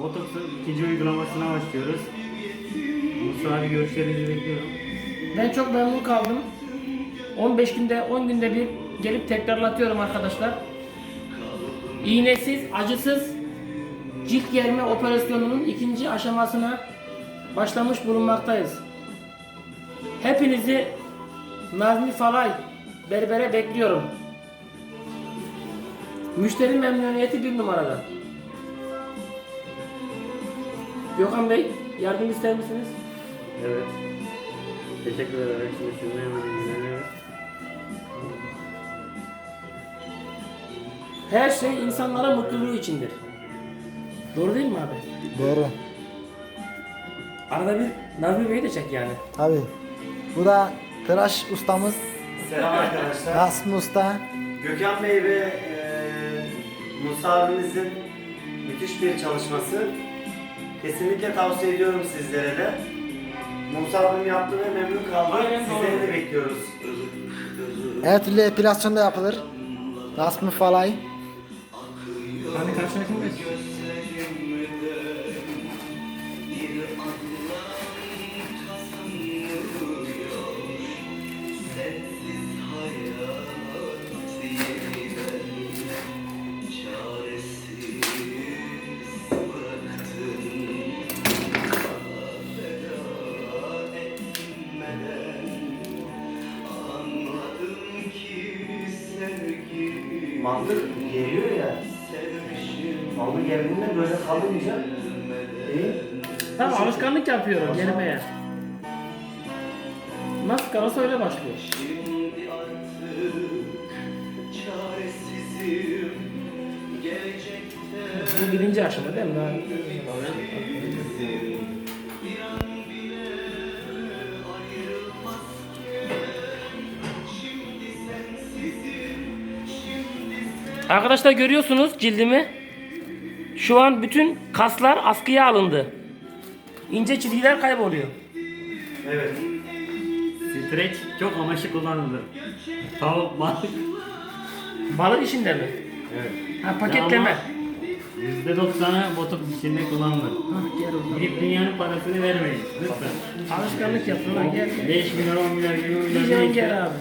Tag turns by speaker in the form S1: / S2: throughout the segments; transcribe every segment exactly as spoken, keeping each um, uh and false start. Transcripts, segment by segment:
S1: Botoksun ikinci uygulamasına başlıyoruz. Mustafa abi görüşlerinizi bekliyorum.
S2: Ben çok memnun kaldım. on beş günde, on günde bir gelip tekrarlatıyorum arkadaşlar. İğnesiz, acısız cilt germe operasyonunun ikinci aşamasına başlamış bulunmaktayız. Hepinizi Nazmi Falay Berber'e bekliyorum. Müşteri memnuniyeti bir numarada. Gökhan Bey, yardım ister misiniz?
S1: Evet. Teşekkür ederim. Şimdi sizinle hemen ilgileniyoruz.
S2: Her şey insanlara mutluluğu içindir. Doğru değil mi abi?
S3: Doğru.
S2: Arada bir Nazmi Bey'i de çek yani.
S3: Abi. Bu da tıraş ustamız.
S4: Selam arkadaşlar.
S3: Rasmi Usta.
S4: Gökhan Bey ve e, Musa abimizin müthiş bir çalışması. Kesinlikle tavsiye ediyorum sizlere de. Musa abim yaptı ve memnun kaldı.
S2: Aynen
S4: Sizleri
S2: doğru.
S4: de bekliyoruz.
S3: Her türlü epilasyon da yapılır. Rasmi Falay.
S2: Hadi karşılaşın.
S4: Mantık geliyor ya. Mantık geldiğinde böyle kalınca değil.
S2: Tamam, alışkanlık yapıyorum gerimeye. Nasıl kalırsa öyle başlıyor. Bu birinci aşama değil mi? Daha... Arkadaşlar görüyorsunuz cildimi. Şu an bütün kaslar askıya alındı. İnce çizgiler kayboluyor.
S4: Evet.
S1: Streç çok amaçlı kullanılır. Tavuk, balık.
S2: Balık işinde mi?
S1: Evet.
S2: Ha, paketleme.
S1: yüzde doksanı botok içinde kullanılır.
S2: Hah, gel oradan.
S1: Gidip dünyanın parasını vermeyin. Lütfen.
S2: Alışkanlık yapın lan, gel gel.
S1: beş milyar, on milyar, yirmi milyar
S2: Diyeceğim
S1: neyse.
S2: gel abi.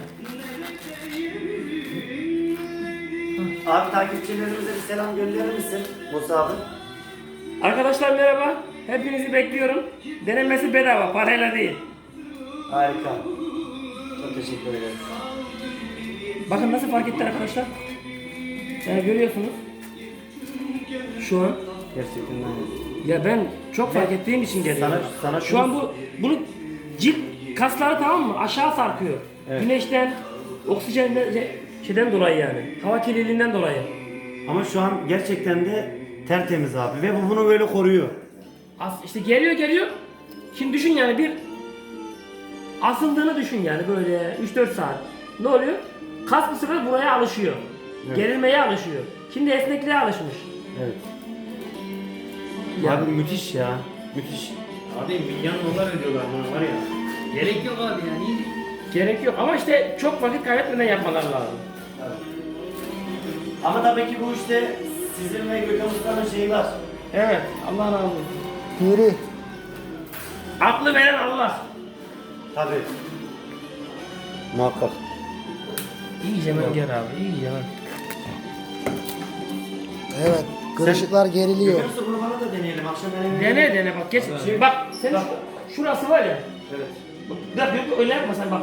S4: Abi takipçilerimize bir selam gönderir misin Musa abi?
S2: Arkadaşlar merhaba. Hepinizi bekliyorum. Denemesi bedava, parayla değil.
S4: Harika. Çok teşekkür ederim.
S2: Bakın nasıl fark etti arkadaşlar. Yani görüyorsunuz. Şu an.
S4: Gerçekten öyle.
S2: Ya ben çok fark ettiğim için geliyor.
S4: Sana- sana
S2: Şu
S4: şunu-
S2: an bu bunu cilt kasları tamam mı? Aşağı sarkıyor.
S4: Evet.
S2: Güneşten, oksijenden şeyden dolayı yani. Hava kirliliğinden dolayı.
S4: Ama şu an gerçekten de tertemiz abi ve bu bunu böyle koruyor.
S2: As işte geliyor geliyor. Şimdi düşün yani bir asıldığını düşün yani böyle üç dört saat. Ne oluyor? Kas bir sefer buraya alışıyor.
S4: Evet.
S2: Gerilmeye alışıyor. Şimdi esnekliğe alışmış.
S4: Evet.
S2: Ya.
S4: Abi müthiş ya. Müthiş.
S1: Abi milyon dolar ödüyorlar buna var ya. Gerek yok abi yani.
S2: Gerek yok ama işte çok vakit kaybetmeden yapmalar lazım.
S4: Ama tabii ki bu işte sizin ve Gökhan Usta'nın şeyi var.
S2: Evet, Allah razı olsun.
S3: Piri.
S2: Aklı veren Allah.
S4: Tabii. Muhakkak.
S2: İyice hemen gel abi, iyice hemen.
S3: Evet. Kırışıklar geriliyor.
S4: Gökhan Usta bunu bana da deneyelim. Akşam benim
S2: Dene dene bak geç. Bak sen şu- şurası var ya.
S4: Evet.
S2: Bak öyle yapma sen bak.